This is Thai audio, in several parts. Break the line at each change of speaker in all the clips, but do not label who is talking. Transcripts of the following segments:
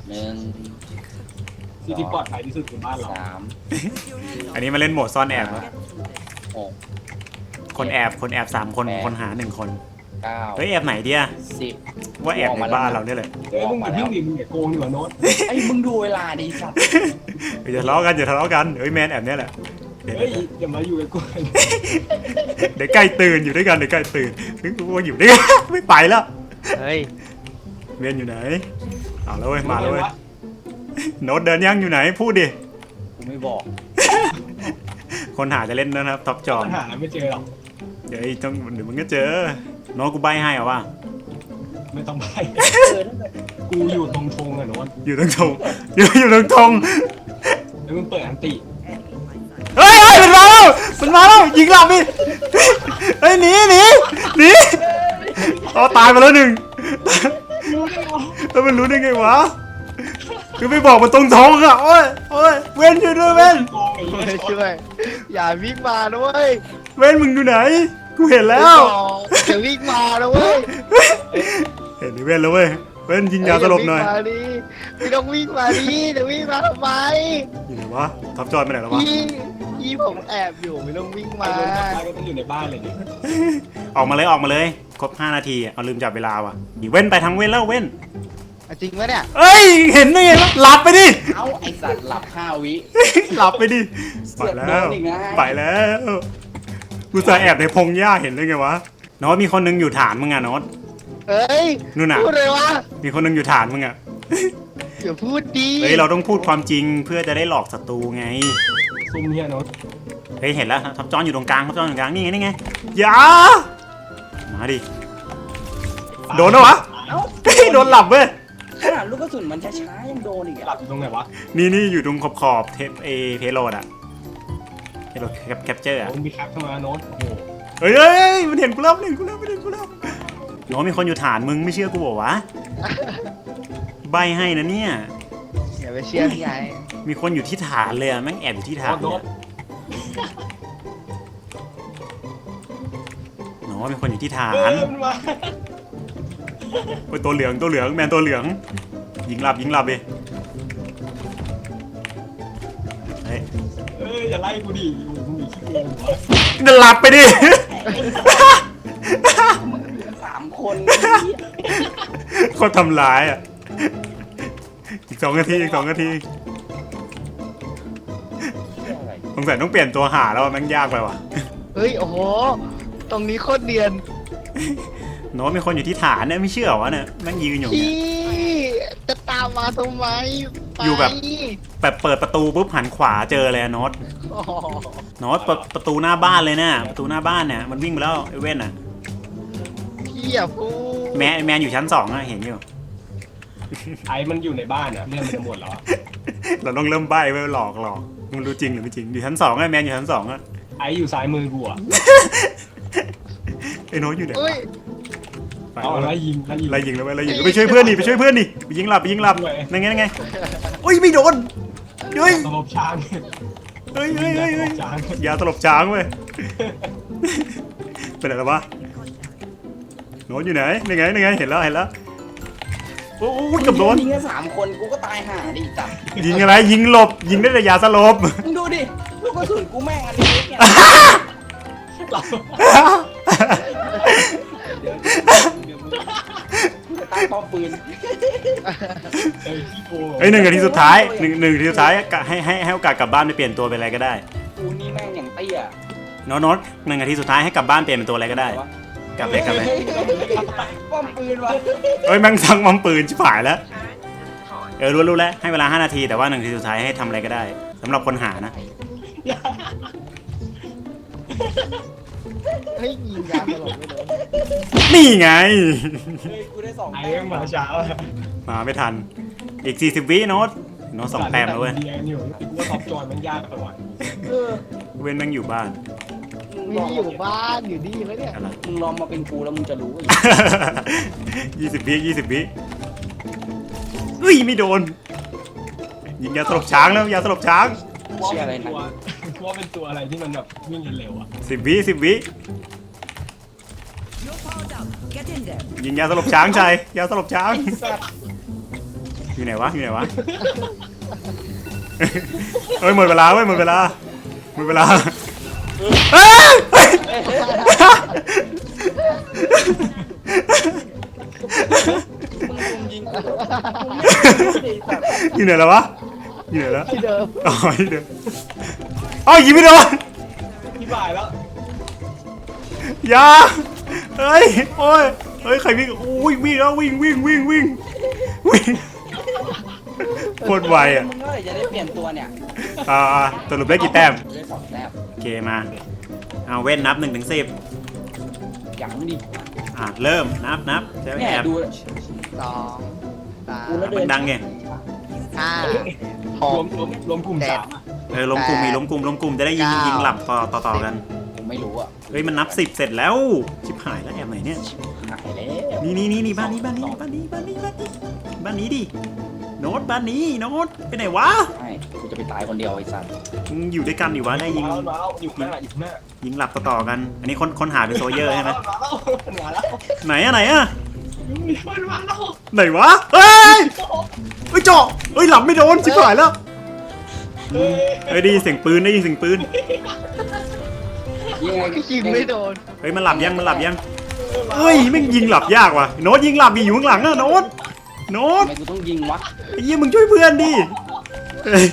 1
ที่ที่ปลอดภัยที่สุดคือบ้านเรา
3
อันนี้มาเล่นโหมดซ่อนแอบวะ
6
คนแอบ3 คนคนหา1 คน
9
เฮ้ยแอบไหนเดีย
10
ว่าแอบในบ้านเราเนี่ยเลย
เฮ้ยมึงอย่าเพิ่งดิมึงอย่าโกงดีกว่าโน้ต
ไอ้มึงดูเวลาดิสัตว์
อย่าทะเลาะกันอย่าทะเลาะกันเฮ้ยแมนแอบเนี่ยแหละเดี๋ยว
เฮ้ยอย่ามาอยู่กับกู
เดี๋ยวใกล้ตื่นอยู่ด้วยกันเดี๋ยวใกล้ตื่นนึกว่าอยู่ด้วยกันไม่ไปแล้ว
เฮ้ย
เวียนอยู่ไหนเอาแล้วเว้ยมาแล้วเว้ยโน้ตเดินยังอยู่ไหนพูดดิ
กูไม่บอก
คนหาจะเล่นนะครับท็อปจอ
ปัญหาไม่เจอหรอก
เดี๋ยวมึงก็เจอโน้ตกูใบให้เหรอวะ
ไม่ต้องไปกูอยู่ตรงธงอะโน้ต
อยู่ตรงธงอยู่ตรงธง
แล้วมึงเปิดอันติ
เฮ้ยมันมาแล้วยิงหลับดิเฮ้ยหนีอ๋อตายไปแล้ว1แล้วมันรู้ได้ไงวะคือไม่บอกมันตรงท้องอะโอ้ยเว้นช่วยด้วยเว้น
โกงไอ้เหี้ย
ช่วยอย่าวิ่งมาด้วย
เว้นมึงอยู่ไหนกูเห็นแล้ว
อย่าวิ่งมาด้วย
เห็นดิเว้นแล้วเว้ยเว้นยิงยาสลบหน่อย
ไม่ต้องวิ่งมาดิจะวิ่งมาทำไม
อยู่ไหนวะทับจอยไปไหนแล้ววะ
ยี่ผมแอบอยู่ไม่ต้องวิ่ง
ไอ้
มา
โน้ตกลับบ้านก็ต้องอยู่ในบ้านเลยดิ
ออกมาเลยครบ5 นาทีเอาลืมจับเวลาว่ะเว้นไปทางเว้นแล้วเว้น
จริงไหมเนี่ย
เอ้ยเห็นได้ไงวะหลับไปดิ
เอ้าไอ้สัตว์หลับ5 วิ
หลับไปดิไป
เสือก
แล้
โด
วน
อีกนะ
ไปแล้วกูจะแอบในพงหญ้าเห็นได้ไงวะโน้ตมีคนนึงอยู่ฐานมึงอะโน้ต
เฮ้ย
นู่นน่ะ
พูดเลยวะ
มีคนนึงอยู่ฐานมึงอะ
อย่าพูดดี
เฮ้ยเราต้องพูดความจริงเพื่อจะได้หลอกศัตรูไง
ซุ่มเฮียโน้ต
เฮ้ยเห็นแล้วทับจอนอยู่ตรงกลางนี่ไงอย่ามาดิโดนแล้ววะ
เอ้า
เฮ้ยโดนหลับเว้ย
ขนาดลูกกระสุนมันช้าๆยังโดนอีก
หลั
อ่ะ
บอยู่ตรงไหนวะ
นี่อยู่ตรงขอบเทปเพโลดอะเพโลแคปเจอร์อะ
มึงมีแคปเข้ามาโน้ตโอ้โห
เฮ้ยมันเห็นกูแล้วโน้ตมีคนอยู่ฐานมึงไม่เชื่อกูบอกวะใบให้นะเนี่ย
อย่าไปเชื่อพี่ใหญ่
มีคนอยู่ที่ฐานเลยอะแม่งแอบอยู่ที่ฐาน
โน้ต
โน้ตมีคนอยู่ที่ฐา
เอน อมันมา
โอ้ยตัวเหลืองแมนตัวเหลืองยิงหลับดิเฮ้ย
อย่าไล่กูดิอยู่มึงมีขี้โกงหัว
จะหลับไปดิ
3 คน
คนทำร้ายอ่ะอีก 2 นาทีสงสัยต้องเปลี่ยนตัวหาแล้วแม่งยากไปว่ะ
เฮ้ยโอ้โหตรงนี้โคตรเนียน
โน้ตมีคนอยู่ที่ฐานเนี่ยไม่เชื่อวะเนี่ยแม่งยืนอยู่
พี่จะตามมาทำไมไป
อยู่แบบเปิดประตูปุ๊บหันขวาเจอเลยอะโน้ต
อ๋อ
โน้ตเปิดประตูหน้าบ้านเลยเนี่ยประตูหน้าบ้านเนี่ยมันวิ่งไปแล้วไอ้เว้นอ่ะ
พี่อย่าพูด
แมนอยู่ชั้น 2อะเห็นอยู่
ไอ้มันอยู่ในบ้านอ่ะเรื่องมันจะหมดแล้วอะ
เราต้องเริ่มใบ้ไว้หลอกมึงรู้จริงหรือไม่จริงอยู่ชั้น 2อะแมนอยู่ชั้น 2อะ
ไอ้อยู่ซ้ายมือกูอ่ะ
ไอ้โน้ตอยู่ไหน
เฮ้ย
ไป
เอา
แล้ว
ไล่ยิง
ไล่ยิงแล้วไปช่วยเพื่อนดิไปยิงหลับนั่นไงโอ้ยไม่โดนเฮ้ย
สลบช้าง
เฮ้ย
ช้าง
ยาตลบช้างเว้ยเป็นอะไรวะโน้ตอยู่ไหนนี่ไงเห็นแล้วโอ้ยกับโดน
ยิงแค่3 คนกูก็ตายห่าดิจับ
ยิงอะไรยิงหลบยิงได้แต่ยาสลบ
มึงดูดิลูกกระสุนกูแม่งอันนี้เนี่ย
หลับ
เดี๋ยวมึงจะตั้งป้อมปืน
ขี้โกง
เฮ้ย1 นาทีสุดท้าย1 นาทีสุดท้ายให้โอกาสกลับบ้านไปเปลี่ยนตัวเป็นอะไรก็ได้
กูนี่แม่งอย่างเตี้ย
โน้ต1 นาทีสุดท้ายให้กลับบ้านเปลี่ยนเป็นตัวอะไรก็ได้กลับเลย
ป้อมปืนวะ
เฮ้ยแม่งสั่งมัมปืนชิบหายแล้วรู้แล้วให้เวลา5 นาทีแต่ว่า1 นาทีสุดท้ายให้ทำอะไรก็ได้สำหรับคนหานะ
เฮ้ยยิงยาตลอดไม่โดน
นี่ไง
เฮ้ยกูได้2
ไอ้
แต้
เรื่องมาเช้าอะ
มาไม่ทันอีก40 วิโน้ต2 แต้มแล้วเว้ย
เรียนอยู่กูว่าท็อปจอยมันยากไปว่ะ
เออ
เว้นแม่งอยู่บ้าน
ไม่ได้อยู่บ้านอยู่ดีไหมเนี่ย
อะไร
มึงลองมาเป็นกูแล้วมึงจะรู้
20 วิเฮ้ยไม่โดนยิงยาสลบช้างแล้วยาสลบช้าง
เชื่ออะไรนะ
กูว่าเป็นตัวอะไรที่มันแบบวิ่งเร็วๆอ่ะ
10 วิยิงยาสลบช้างชัยยาสลบช้างอยู่ไหนวะอยู่ไหนวะเฮ้ยหมดเวลาเว้ยหมดเวลาหมดเวลาเฮ้ย
มึงลุมยิงกู
อยู่ไหนแล้ววะอยู่ไหนแล้ว
ที่เดิม
อ๋อที่เดิมเอ้ายิงไม่โดน
พี่บ่ายแล้ว
อย่าเฮ้ยโอ้ยเฮ้ยใครวิ่งโอ้ยวิ่งแล้ววิ่งโคตรไวอ่ะ
มึงเมื่อไหร่จะได้เปลี่ยนตัวเนี่ย
สรุปได้กี่แต้ม
ได้2 แต้ม
โอเคมาเอาเว้นนับ1 ถึง 10
อย่างดิ
เริ่มนับใช่ไหม
เนี่ย
แอบ
ดู
2
กูแล้ว
3
เดิน
ดังไง
5
รวม
6
รวมกลุ่ม
7
สาม
ล้มกลุ่มมีล้มกลุ่มจะได้ยิง
9
ยิงหลับต่อกัน
ผมไม่รู้อ่ะ
เฮ้ยมันนับ10เสร็จแล้วชิบหายแล้วแอบไหนเนี่ย
หายแล้ว
นี่บ้านนี้ดิโน้ตบ้านนี้โน้ตไปไหนวะ
ใช่กูจะไปตายคนเดียวไอ้สัส
มึงอยู่ด้วยกันดิวะได้ยิง
มาแล้วอยู่หน้าอยู่หน้า
ยิงหลับต่อๆกัน อันนี้คนหาเป็นโซเยอร์ใช่ไหม
มาแล้ว
ไหนอะ
มาแล้ว
ไหนวะเฮ้ยเจาะเฮ้ยหลับไม่โดนชิบหายแล้วเฮ้ยได้ยินเสียงปืน
ยังไง
ก็ยิงไม่โดน
เฮ้ยมันหลับยังเฮ้ยแม่งยิงหลับยากว่ะโน้ตยิงหลับดิอยู่ข้างหลังอะโน้ต
ทำไมกูต้องยิงวะ
ไอ้เหี้ยมึงช่วยเพื่อนดิเฮ้ย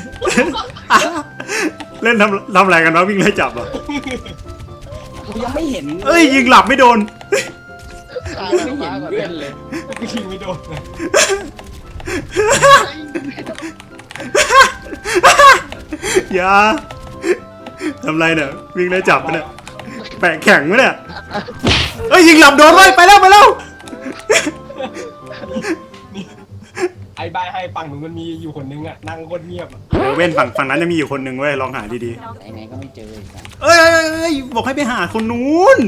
เล่นทำอะไรกันวะวิ่งไล่จับเหรอ
กูยังไม่เห็น
เอ้ยยิงหลับไม่โดน
ยังไม่เห็นเพื่อนเลย
กูยิงไม่โดนเลย
อย่าทำไรเนี่ยวิ่งไล่จับปะเนี่ยแปะแข็งปะเนี่ยเอ้ยยิงหลับโดนไว้ไปแล้ว
ไอ้ใบให้ฝั่งหนูมันมีอยู่คนนึงอ่ะนั่งโคตรเงียบ
เดี๋ยวเว้นฝั่งนั้นจะมีอยู่คนหนึ่งเว้ยลองหาดี
ไหนๆก็ไม่เจอไอ้สัส
ๆเอ้ยบอกให้ไปหาคนนู้น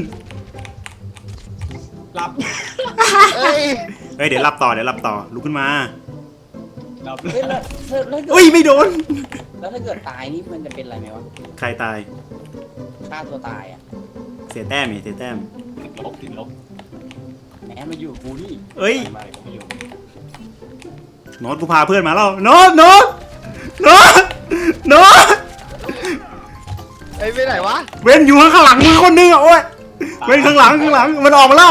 รับ
เอ้ย
เฮ้ยเดี๋ยวหลับต่อลุกขึ้นมา
รับ
เฮ้ยแล้ว
เอ้ยไม่โดน
แล้วถ้าเกิดตายนี่มันจะเป็นอะไรไหมวะ
ใครตาย
ฆ่าตัวตายอ่ะ
เสียแต้มเสียแต้ม
ติดลบ
แหมมาอยู่กับกูนี่
เอ้ย
ไม่ผมไม่อยู่
โน้ตกูพาเพื่อนมาแล้วโน้ต
เอ้ยไปไหนวะ
เว้นอยู่ข้างหลังมือคนนึงอ่ะโอ้ยเว้นข้างหลังมันออกมาแล้ว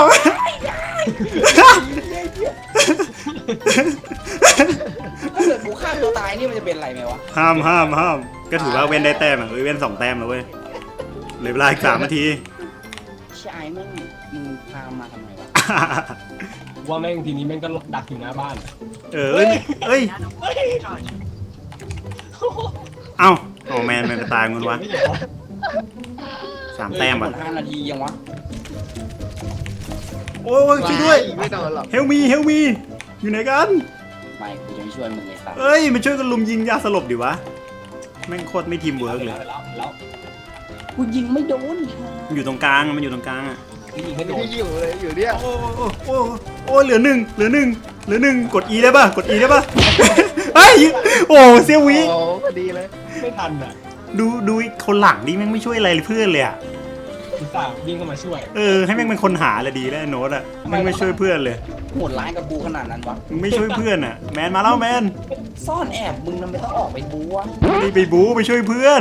ถ้าเกิดกูฆ่าตัวตายนี่มันจะเป็นอะไรไหมวะ
ห้ามก็ถือว่าเว้นได้แต้มอ่ะเว้น2 แต้มแล้วเว้ยเหลือเวลาอีก3 นาที
ชายมึงพามาทำไมวะ
ว่าแม่งทีนี้แม่งก็ดักอยู่หน้าบ้าน
เอ้ยเอ้าโอ้แมนไปตายมึงวะ
ไม่เห็นวะ
3 แต้มอ่ะ
5 นาทียังวะ
โอ้ยช่วยด้วย
ไม่โดนหรอก
เฮลมีอยู่ไหนกัน
ไม่กูจะไม่ช่วยมึงเลยสัส
เอ้ยมันช่วยกันลุมยิงยาสลบดิวะแม่งโคตรไม่ทีมเวิร์กเลย
แล้ว
กูยิงไม่โดน
มันอยู่ตรงกลางอ่ะ
ยิงให้โดน
ที่อยู่เลยอยู่เนี่ย
โอ้เหลือหนึ่งกด E ได้ป่ะเฮ้ยโอ้เซียววิ
โอ้พอดีเลย
ไม่ทันอ่ะ
ดูคนหลังดิแม่งไม่ช่วยอะไรเพื่อนเลยอ่ะ
อุตส่าห์วิ่งเข้ามาช่วย
ให้แม่งเป็นคนหาเลยดีแล้วโน้ตอ่ะแม่งไม่ช่วยเพื่อนเลย
โหดร้ายกับกูขนาดนั้นวะ
มึงไม่ช่วยเพื่อนอ่ะแมนมาแล้วแมน
ซ่อนแอบมึงทำไมต้องออกไปบูวะ
ไม่ได้ไปบู๊ไปช่วยเพื่อน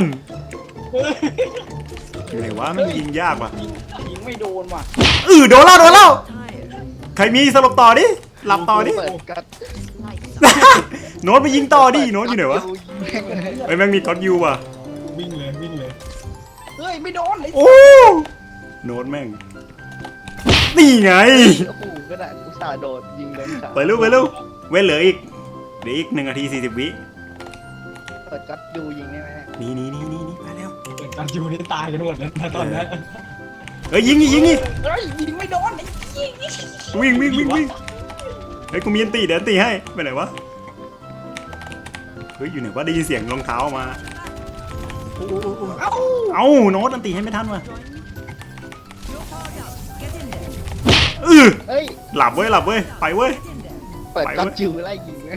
อยู่ไหนวะแม่งยิงยากว่ะ
ยิงไม่โดนว่ะ
โดนแล้วใครมีสลบต่อดิหลับต่อดิ
เปิดกัด
โน้ตไปยิงต่อดิโน้ตอยู่ไหนวะ
ยิงแม่งเลย
เฮ้ยแม่งมีท็อตยูว่ะ
วิ่งเลย
เฮ้ยไม่โดนเลย
โอ้โน้ตแม่งนี่ไง
โอ้โหก็ได้อุตส่าห์โดดยิงเลยค่ะ
ไปเร็วเว้นเหลืออีก1 นาที 40 วิ
เปิดกัดยูยิงได้ไหม
นี่ไปแล้ว
เปิดการจูนี่ตายกันหมดแล้วตอนนั้น
เฮ้ยยิง
เฮ้ยยิงไม่โดนไอ้
วิ่งเฮ้ยกูมีอันตีเดี๋ยวอันตีให้ไปไหนวะเฮ้ยอยู่ไหนวะได้ยินเสียงรองเท้ามาเอ้าโน้ตอันตีให้ไม่ทันว่ะ
เฮ้ย
หลับเว้ยไปเว้ย
เปิดกัดยูไล่ยิงเลย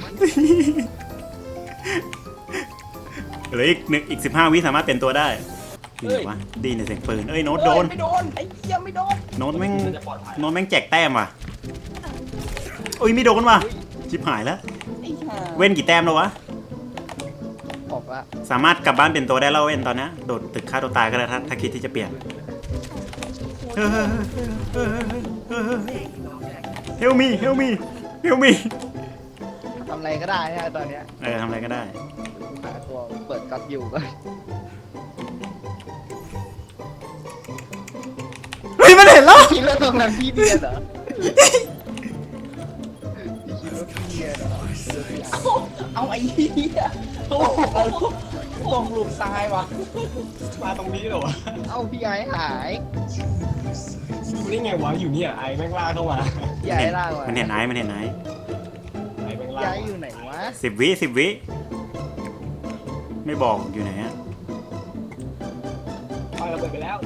เหลืออีก15 วิสามารถเปลี่ยนตัวได้อยู่ไหนวะดีในเสียงปืนโน้ตโดน
ไม่โดนไอ้เหี้ยไม่โดน
โน้ตแม่ง
จะปลอดภัย
แจกแต้มว่ะไม่โดนว่ะชิบหายแล้ว
ไอ้เหี้ย
เว้นกี่แต้มแล้ววะ
บอกว่า
สามารถกลับบ้านเป็นตัวได้แล้วเว้นตอนนี้โดดตึกฆ่าตัวตายก็ได้ถ้าคิดที่จะเปลี่ยนเฮลมี่เฮลมี่เฮลมี่
ทำอะไรก็ได้นะตอนเนี้ย
ทำอะไรก็ได้
หาตัวเปิดก๊อตอยู่ก็
เฮ้ยมันเห็นแล้ว
คิดว่าตรงนั้นพี่เดียนเหรอพี่คิดว่าพี่เดียนเหรอ
เอาไอ้เหี้ยโอ้โหส่งหลุมตายวะ
มาตรงนี้เหรอวะ
เอ้าพี่ไอ้หาย
ดูได้ไงวะอยู่เนี่ยไอ้แม่งลากเข้ามา
พี่ไอ้ล่างวะ
มันเห็นไอ้มันเห็นไอ้
ไอ้แม่งลา
พี่
ก
ไอ้อยู่ไหนวะ
10 วิไม่บอกอยู่ไหนอะ
ปาระเบิดไปแล้ว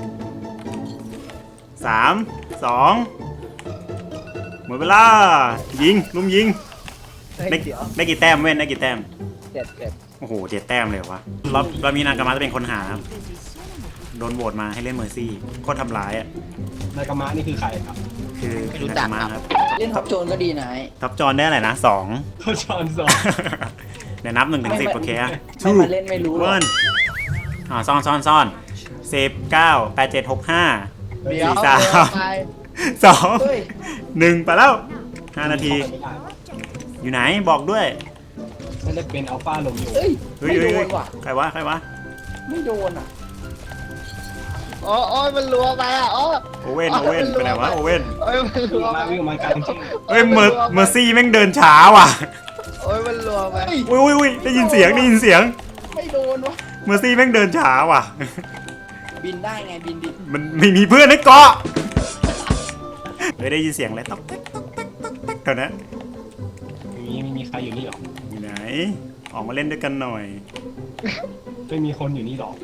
3 2หมดเวลายิงลุมยิง
เฮ้ย
ได้
เดี๋ยว
ได้กี่แต้มเว้นได้กี่แต้ม
เจ็ด
โอ้โห7 แต้มเลยวะเรามีนางกามาจะเป็นคนหาครับโดนโหวตมาให้เล่นเมอร์ซี่โคตรทำร้ายอ่ะ
นายกามะนี่คือใครครับ
คือคือนางกามาครับ
เล่นท็อปโจนก็ดีนะไอ้
ท็อปจอนได้อะไรนะ2
เขาชอนสอง
เดี๋ยวนับ1 ถึง 10โอเคอะ
ไม่มาเล่นไม่รู้หรอก
วันซ่อน19 8 7 6 5
เดี๋ยว
4 3
ไป
เฮ้ย
2 1ไปแล้ว5 นาทีอยู่ไหนบอกด้วย
นั่นจะเป็นอัลฟาโรมิโอ
เฮ้ย
เฮ้ย
ไม่โด
เฮ้ย
นว่ะ
ใครวะใครวะ
ไม่โดนอ่ะ
โอ้ยมันรัวไปอ่ะโอ้
โอเว่นไปไหนวะโอเว่น
โอ้ยมันรัวไป
วิ่งมากลางที่
เฮ้ยเมอร์ซี่แม่งเดินช้าว่ะ
โอ้ยมันรัวไป
อุ้ยได้ยินเสียง
ไม่โดนวะ
เมอร์ซี่แม่งเดินช้าว่ะ
บินได้ไงบินดิ
มันไม่มีเพื่อนให้เกาะเฮ้ยได้ยินเสียงอะไรต๊อกแต๊กเท่านั้น
ไม่มีใครอยู่นี่หรอก
อยู่ไหนออกมาเล่นด้วยกันหน่อย
ไม่มีคนอยู่นี่หรอก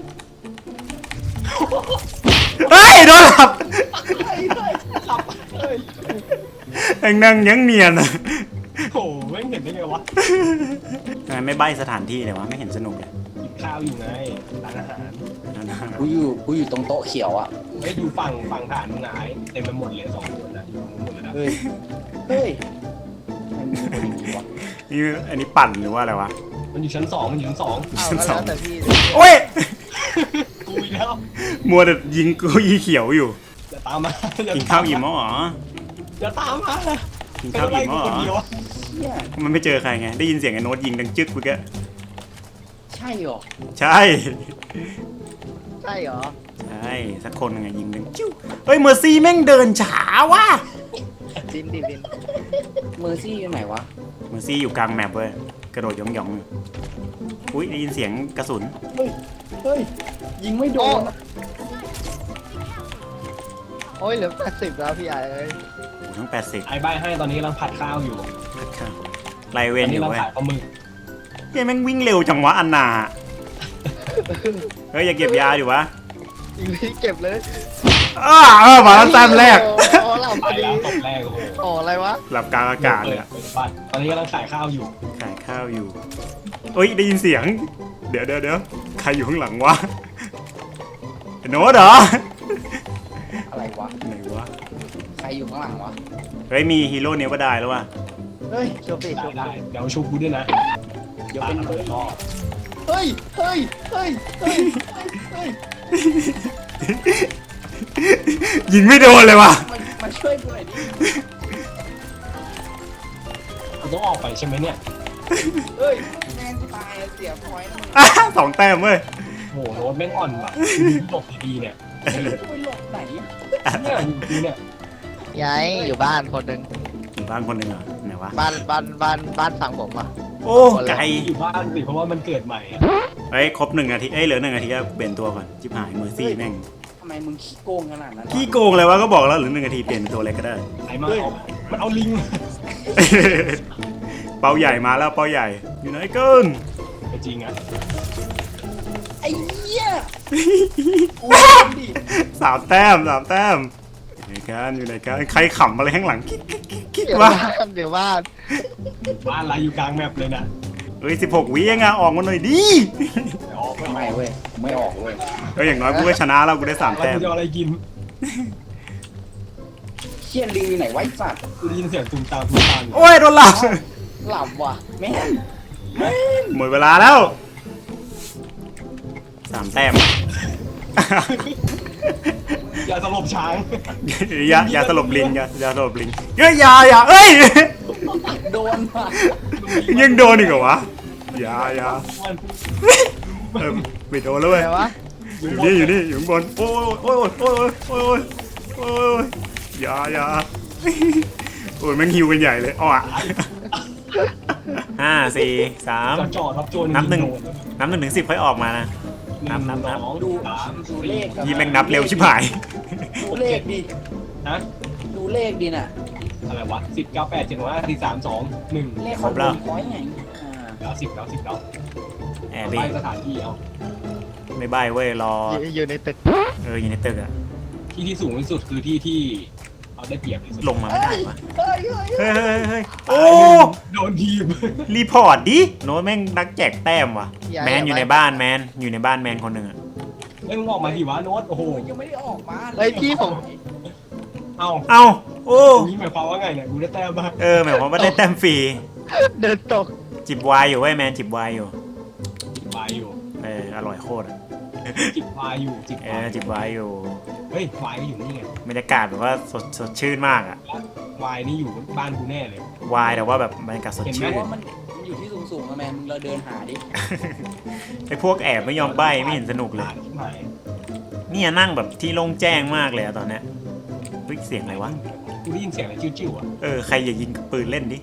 เฮ้ยโดนหลับ
เฮ้ย
แองนั่งยังเนียนอะ
โอ้โหแม่งเห็นได้ไงวะ
ทำไมไม่ใบ้สถานที่เลยวะไม่เห็นสนุกเลย
กินข้าวอยู่ไงร้านอาหาร
กูอยู่ตรงโต๊ะเขียวอ่ะ
ไม่ดูฝั่งฐานมึงหายเต็มไปหมดเลย2 คนนะอยู่หมดเลยนะ
เฮ้ยเฮ้ยมันมีคนอย่างนี้วะ
นี่อันนี้ปั่นหรือว่าอะไรวะ
มันอยู่ชั้น 2มันอยู่ชั้น 2
เอาก็แล้วแต่พี่
โอ้ย
กูอีกแล้ว
มัวแต่ยิงกูอีเขียวอยู่
อย่าตามมา
กินข้าวอิ่มมั้งเหรอ
อย่าตามมา
กินข้าวอิ่มมั้งเหร
คนเดียว
อ
เนี่ย
มันไม่เจอใครไงได้ยินเสียงไอ้โน้ตยิงดังจึ๊กเมื่อกี้
ใช่หรอ
ใช่
ใช่เหรอ
ใช่สักคนไงยิงดังจิ้วเฮ้ยเมอร์ซี่แม่งเดินช้าว่ะ
บินดิบิน
เมอร์ซี่อยู่ไหนวะ
เมอร์ซี่อยู่กลางแมปเว้ยกระโดดหยองๆอุ้ยได้ยินเสียงกระสุน
เฮ้ยยิงไม่โดนอะ
โอ้ยเหลือ80แล้วพี่ใหญ่เอ้ย
โอ้โหทั้ง80
ไอ้ใบให้ตอนนี้กำลังผัดข้าวอยู่
ไลเว
ตอน น
อ
นี้
ยู่
เรา
เว้ย
ขายปลาหมึก
เฮ้ยแม่งวิ่งเร็วจังวะอันนาเฮ้ยอย่าเก็บยาดิวะ
อีกพี่เก็บเลย
มาแล้วแต้มแรก
โอ้หลับพ
ไป
อดี
แล้วตบแรกโอ้โห
โอ้อะไรวะ
หลับกลางอากาศเลยอะ
เปิดบัตรตอนนี้กำลังขายข้าวอยู่
ขายข้าวอยู่เฮ้ยได้ยินเสียง เดี๋ยวใครอยู่ข้างหลังวะไอ้โน้ตเหรอ
อะไรวะ
ไหนวะ
ใครอยู่ข้างหลังวะ
เฮ้ยมีฮีโร่เนี้ยก็ได้แล้วว่ะ
เฮ้ย
โชว์สิโชว์
ได้เดี๋ยวชุบกูด้วยนะ
เดี๋ยว
ปา
เป็น
ระเบิดรอบ
เฮ้ยเฮ้ยเฮ้ยเฮ้ยเฮ้ย
ยิงไม่โดนเลยว่ะ
มาช่วยกูหน่อยดิ
กูต้องออกไปใช่ไหมเนี่ย
เฮ้ยแม่งตายเสียพอยต์นะมึง
2 แต้มเว้ย
โอ้โหโน้ตแม่งอ่อนว่ะหลบดีๆเนี่ย
กูไปหลบไหนอะ
เนี่ยอยู่ดีเนี่ย
ยายอยู่บ้านคนหนึ่ง
อยู่บ้านคนหนึ่งเหรอไหนวะ
บ้านฝั่งผมอ่ะ
โอ้ไกล
อยู่บ้านสิเพราะว่ามันเกิดใหม่อะ
เฮ้ยครบ1 นาทีเอ้ยเหลือ1 นาทีก็เปลี่ยนตัวก่อนจิบหายเมอร์ซี่แม่ง
ทำไมมึงขี้โกงขนาดนั้นวะ
ขี้โกงเลยวะก็บอกแล้วเหลือ1 นาทีเปลี่ยนเป็นตัวอะไรก็ได้
ไอ้มาเอามันเอาลิง
เป้าใหญ่มาแล้วเป้าใหญ่อยู่ไหนเกิน
จริงอ่ะ
ไอ้เหี้ยกูดิ
3 แต้มอยู่ไหนกันใครขำอะไรข้างหลังคิด
เดี๋ยว
วะ
บ้านเดี๋ยวบ้าน
บ้านอะไรอยู่กลางแมปเลยนะ
เฮ้ย16 วิเองอะออกมาหน่อยดิ
เดี๋ยวออกไป
ไม่เว้ยไม่ออกเว้ย
เฮ้ยอย่างน้อยกูก็ชนะแล้วกูได้3
แล้ว
แต้ม
กูจะเอาอะไรกิน
เชี่ยลิงอยู่ไหนไวะไอ้สัตว์
กูได้ยินเสียงตุ้มตาม
โอ้ยโดนหลับ
เหลับว่ะแม่ง
หมดเวลาแล้ว3 แต้ม
อย่าสลบช้าง
อย่าสลบลิงอย่าสลบลิงอย่าเอ้ย
โดนว่ะ
ยังโดนอีกเหรอวะอย่าไม่โดนแล้วเว้ย
อะไรวะ
อยู่นี่อยู่ข้างบนโอ้ยอย่าโอ้ยแม่งฮิวกันใหญ่เลยอ้อ5 4 3
จ่อทับโจร
นับ 1 ถึง 10ค่อยออกมานะ นับ
สอง
ดู
สาม
ดูเลขกับ
ยี่แม่งนับเร็วชิบหาย
ดูเลขดิ
ฮะ
ดูเลขดิน่ะ
อะไรวะ10 9 8 7 5 4 3 2 1
เลข
ครบแล้ว
คอยไง
แล้ว10แล้ว10แล้ว
แอบ
ไป
ดิ
สถานที่เอา
ไม่ใบเว้ยรอ
อยู่ในตึก
อยู่ในตึกอะ
ที่สูงที่สุดคือที่เอาได้เปรียบที่สุด
ลงมาไม่ได้วะ
เฮ้ย
เฮ้ยโอ้
โดนทีม
รีพอร์ตดิโน้ตแม่งนักแจกแต้มว่ะแมนอยู่ในบ้านแมนอยู่ในบ้านแมนคนหนึ่งอะ
เอ้ยมึงออกมาดิวะโน้ตโอ้โห
ยังไม่ได้ออกมา
เฮ้ยพี่ผม
เอ้า
เอ้าโอ้
อย่างนี้หมายความว่าไงเนี่ยกูได้แต้มบ้าง
หมายความว่าได้แต้มฟรี
เดินตก
จิบวายอยู่เว้ยแมนจิบวายอยู่
จิบวายอยู่
อร่อยโคตรอะ
จิบวายอยู่จิบวาย
จิบวายอยู่
เฮ้ยวายก็อยู่นี่ไง
บรรยากาศแบบว่าสดชื่นมากอะ
วายนี่อยู่บ้านกูแน่เลยว
ายแต่ว่าแบบบรรยากาศสด
เพ
ชื่น
ราะว่ามันอยู่ที่สูงๆอะแมนมึงเราเดินหาดิ
ไอพวกแอบไม่ยอมใบไม่เห็นสนุกเลย
หาที่ไหน
เนี่ยนั่งแบบที่โล่งแจ้งมากเลยอะตอนเนี้ยเฮ้ยเสียงอะไรวะ
กูได้ยินเสียงอะไรจิ้วๆอ่ะ
ใครอย่ายิงปืนเล่นดิ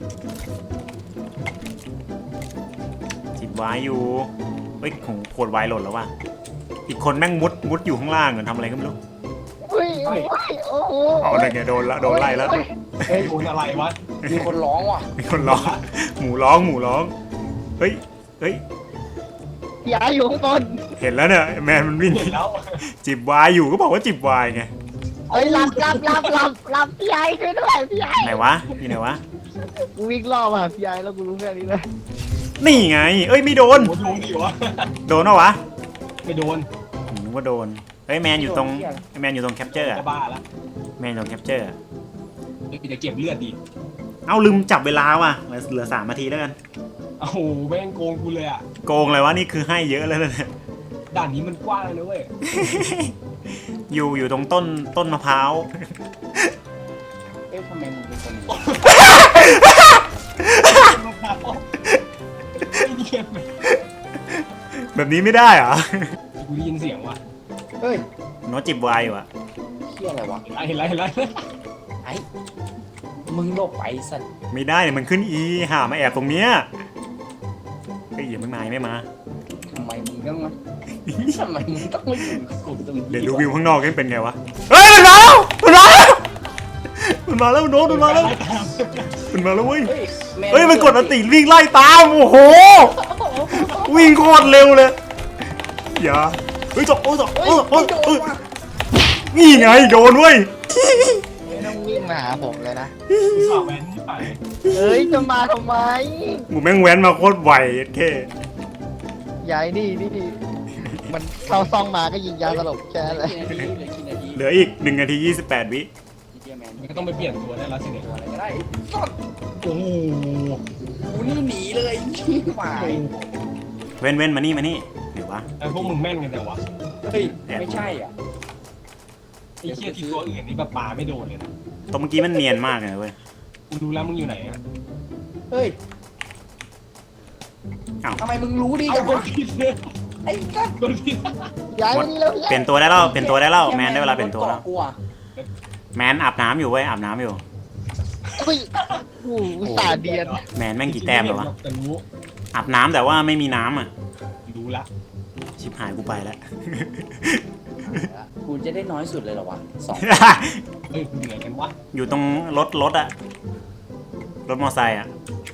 จิบวายอยู่เฮ้ยของขวดวายหล่นแล้วว่ะอีกคนแม่งมุดอยู่ข้างล่างเหมือนทำอะไรก็ไม่รู้
อุ้ยโอ้โห
เอาเลยไงโดนไล่แล้ว
เฮ้ยโดนอะไรวะ
มีคนร้องว่ะ
มีคนร้องหมูร้องเฮ้ย
ย้ายอยู่ข้างบน
เห็นแล้วเนี่ยแมนมันวิ่ง
เห็นแล้ว
จิบวายอยู่ก็บอกว่าจิบวายไง
เฮ้ยหลับพี่ยายช่วยด้วยพี่ยาย
ไหนวะอยู่ไหนวะ
กูวิ่งล่อมาหาพี่ยายแล้วกูรู้แค่นี้เลย
นี่ไงไม่โดน
โดนดิวะ
โดนเหรอวะ
ไม่โดน
ผมนึกว่าโดนเฮ้ยแมนอยู่ตรงแคปเจอร์อะ
จะบ้าละ
แมนอยู่ตรงแคปเจอร์อะ
เดี๋ยวจะเก็บเลือดดิ
เอาลืมจับเวลาว่ะเหลือ3 นาทีแล้วกัน
โอ้โหแม่งโกงกูเลยอ่ะ
โกงเลยวะนี่คือให้เยอะเลยนะเนี่ย
ด่านนี้มันกว้างเลยนะเว้ย
อยู่ตรงต้นมะพร้าว
เอ๊ะทำไมมึงเป็นคนอย่างนี้
ไอ้เหี้ย
แบบนี้ไม่ได้เหรอ
กูได้ยินเสียงว่ะ
เฮ้ย
โน้ตจิบวายอยู่อะ
เฮียอะไรวะ
เห็นไร
ไอ้มึงหลบไปสัตว์
ไม่ได้เนี่ยมันขึ้นอีหามาแอบตรงเนี้ยเฮ้ยอย่าไม่มา
ทำไมมึงต้องมาทำไมมึงต้องมาอยู่กับกูตรงนี้
เดี๋ยวดูวิวข้างนอกกันเป็นไงวะเฮ้ยมันมาแล้วโน้ตมันมาแล้วเว้ย
เฮ้ยแ
เฮ้ยมันกดอันติวิ่งไล่ตามโอ้โหวิ่งโคตรเร็วเลยอย่าเฮ้ยจบโอ้ย
เฮ้ยไม่โดนว่ะ
นี่ไงโดนเว้ย
ไม่ต้องวิ่งมาหาผมเลยนะ
กูสาวแวนที่ไป
เฮ้ยจะมาทำไม
หมูแม่งแว้นมาโคตรไวแค่
ยายนี่มันเข้าซองมาก็ยิงยาสลบแค่นั้นแหละ
กี่นาที
เหลืออีก1 นาที 28 วิ
เฮียแมน
มันก็ต้องไปเปลี่ยนตัวได้แล้วสิเนี่ย
ตัวอะไรก็ได้สัตว์
โอ้โห
กูนี่หนีเลยหมาย
เว้นมานี่เดี๋ยววะ
ไอ้พวกมึงแม่นกันแต่วะ
เฮ้ยไม่ใช่อ่ะ
ไอ้เชี่ยที่ตัวอื่นนี่แบบปาไม่โดนเลยนะ
ตรงเมื่อกี้มันเนียนมากเลยเว้ย
กูดูแล้วมึงอยู่ไหนอะ
เฮ้ย
อ้าว
ทำไมมึงรู้ดี
เอา
จัง
ค
วะ
นผิดเลย
ไอ้สัตว์
คนผิด
ยายนี่แล้ว
เปลี่ยนตัวได้แล้วแมนได้เวลาเปลี่ยนตัวแล้ว
กูอ่ะ
แมนอาบน้ำอยู่เว้ยอาบน้ำอยู่
อุ้ยโอ้โหสาเดียน
แมนแม่งกี่แต้มแล้ววะ
แต่รู้
อาบน้ำแต่ว่าไม่มีน้ำอ่ะ
รู้ละ
ชิบหายกูไปแล้ว
กูจะได้น้อยสุดเลยเหรอวะ2
เฮ้ยเหนื่อยกันวะ
อยู่ตรงรถอะรถมอไซค์อะ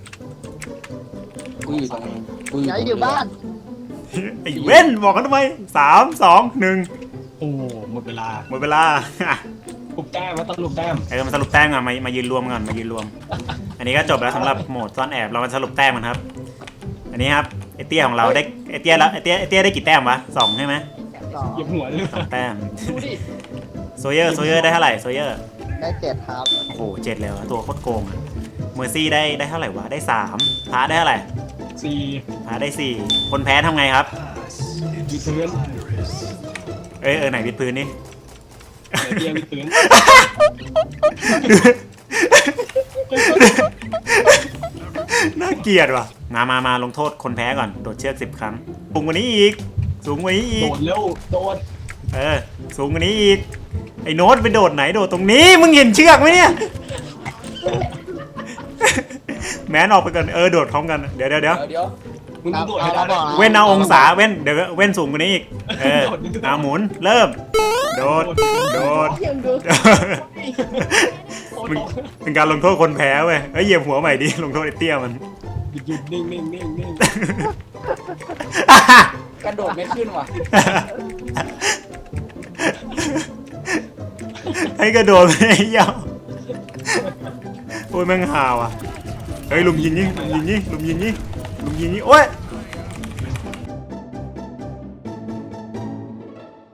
กูอยู่ตรงนี้กู
ยายอยู่บ้าน
ไอ้เว้นบอกกันทำไม3 2 1
โอ้หมดเวลา
หมดเวลา
ปลุกแต้มมาต้องปลุกแต้ม
มาสรุปแต้มกันมายืนรวมกันมายืนรวม อันนี้ก็จบแล้วสำหรับโหมดซ่อนแอบเรามาสรุปแต้มกันครับ อันนี้ครับไอเตี้ยของเราได้ไอเตี้ยได้กี่แต้มวะ2ใช่ไหม
เหยียบหัวเลย
2 แต้ม
ดูดิ
โซเยอร์ได้เท่าไหร่โซเยอร์
ได้7ครับ
โอ้โห7เลยว่ะตัวโคตรโกงอะเมอร์ซี่ได้เท่าไหร่วะได้3พาได้เท่าไหร่
สี่
พาได้4คนแพ้ทำไงครับ
วิดพื้น
ไหนวิดพื้นนี่
เตียงวิดพื้น
น่าเกลียดว่ะมาลงโทษคนแพ้ก่อนโดดเชือก10 ครั้งสูงกว่านี้อีกสูงกว่านี้อี
โด
ก
ดเร็วโดด
สูงกว่านี้อีกไอ้โน้ตไปโดดไหนโดดตรงนี้มึงเห็นเชือกไหมเนี่ย แมนออกไปก่อนโดดพร้อมกันเดี๋ยว
เดี๋ยว
มึงต้องโดดให้ได้
เว้นเอาองศาเว้นเดี๋ยวเว้นสูงกว่านี้อีกเอาหมุนเริ่มโดด
ยังดู
มึงเป็นการลงโทษคนแพ้เว้ยเหยียบหัวใหม่ดิลงโทษไอ้เตี้ยมัน
หยุดนิ่งนิ่งนิ่งนิ่ง
กระโดดไม่ขึ้นว่ะ
ให้กระโดดไม่ยาวโอ้ยแม่งหาวอ่ะเฮ้ยลุมยิงนี่โอ้ย